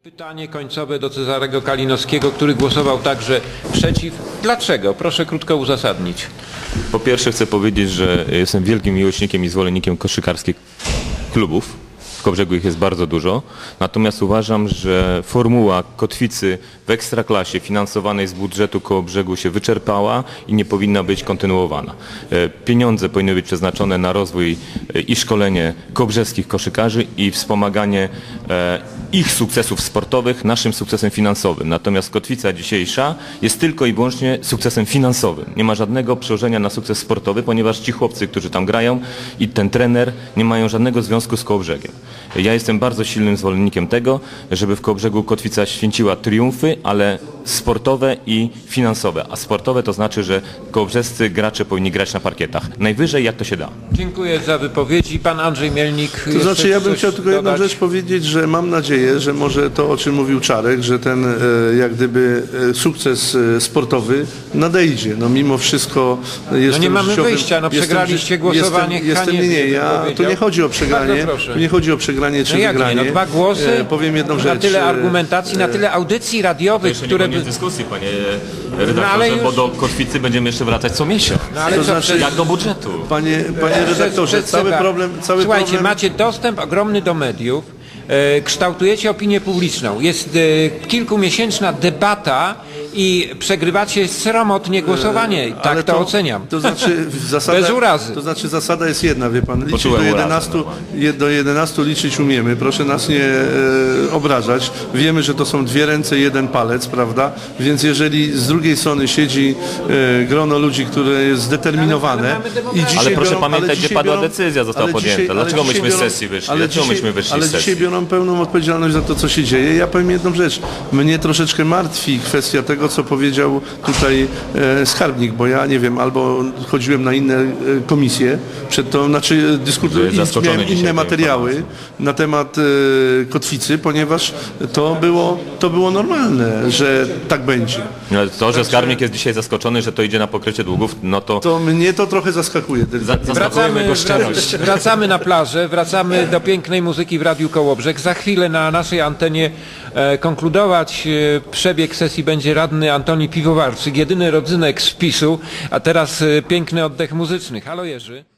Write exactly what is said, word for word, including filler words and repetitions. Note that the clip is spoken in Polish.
Pytanie końcowe do Cezarego Kalinowskiego, który głosował także przeciw. Dlaczego? Proszę krótko uzasadnić. Po pierwsze chcę powiedzieć, że jestem wielkim miłośnikiem i zwolennikiem koszykarskich klubów. W Kołobrzegu ich jest bardzo dużo. Natomiast uważam, że formuła kotwicy w Ekstraklasie finansowanej z budżetu Kołobrzegu się wyczerpała i nie powinna być kontynuowana. Pieniądze powinny być przeznaczone na rozwój i szkolenie kołobrzeskich koszykarzy i wspomaganie ich sukcesów sportowych naszym sukcesem finansowym. Natomiast kotwica dzisiejsza jest tylko i wyłącznie sukcesem finansowym. Nie ma żadnego przełożenia na sukces sportowy, ponieważ ci chłopcy, którzy tam grają i ten trener nie mają żadnego związku z Kołobrzegiem. Ja jestem bardzo silnym zwolennikiem tego, żeby w Kołobrzegu kotwica święciła triumfy, ale sportowe i finansowe. A sportowe to znaczy, że kołobrzescy gracze powinni grać na parkietach. Najwyżej jak to się da. Dziękuję za wypowiedzi. Pan Andrzej Mielnik. To znaczy ja bym chciał tylko jedną dodać. rzecz powiedzieć, że mam nadzieję, że może to, o czym mówił Czarek, że ten e, jak gdyby e, sukces e, sportowy nadejdzie. No mimo wszystko jestem No nie mamy życiowym, wyjścia, no jestem przegraliście ży- głosowanie. Jestem, jestem, nie, Haniebnie, nie, ja, bym tu nie chodzi o przegranie, Bardzo proszę. tu nie chodzi o przegranie czy No jak wygranie. nie? No dwa głosy, E, powiem jedną na rzecz. tyle e, argumentacji, na tyle audycji radiowych, które by... dyskusji, panie No ale już- bo do kotwicy będziemy jeszcze wracać co miesiąc. No ale To co, znaczy- przez- Jak do budżetu. Panie, panie redaktorze, przez cały Seba- problem, cały Słuchajcie, problem... macie dostęp ogromny do mediów, e, kształtujecie opinię publiczną. Jest e, kilkumiesięczna debata i przegrywacie sromotnie głosowanie. Tak Ale to, oceniam. To znaczy zasada, Bez urazy. To znaczy zasada jest jedna, wie pan, liczyć Poczułem do urazę, jedenastu, normalnie. je, do jedenastu liczyć umiemy, proszę nas nie e, obrażać. Wiemy, że to są dwie ręce, jeden palec, prawda? Więc jeżeli z drugiej strony siedzi e, grono ludzi, które jest zdeterminowane Ale- ale mamy demokrację. i dzisiaj Ale proszę biorą, pamiętać, ale gdzie dzisiaj padła biorą- decyzja została ale podjęta. dzisiaj- ale Dlaczego dzisiaj myśmy z biorą- sesji wyszli? ale Dlaczego dzisiaj- myśmy wyszli Ale z dzisiaj sesji? biorą pełną odpowiedzialność za to, co się dzieje. Ja powiem jedną rzecz. Mnie troszeczkę martwi kwestia tego, co powiedział tutaj e, skarbnik, bo ja nie wiem, albo chodziłem na inne e, komisje przed to, znaczy dyskutuję, Byłeś zaskoczony miałem dzisiaj inne tą materiały na temat e, kotwicy, ponieważ to było, to było normalne, że tak będzie. No, to, że skarbnik jest dzisiaj zaskoczony, że to idzie na pokrycie długów, no to To mnie to trochę zaskakuje. tylko. za, zaskakujemy Wracamy, jego szczerość. wracamy na plażę, wracamy do pięknej muzyki w Radiu Kołobrzeg. Za chwilę na naszej antenie e, konkludować e, przebieg sesji będzie radny Antoni Piwowarczyk, jedyny rodzynek z PiSu, a teraz e, piękny oddech muzyczny. Halo Jerzy.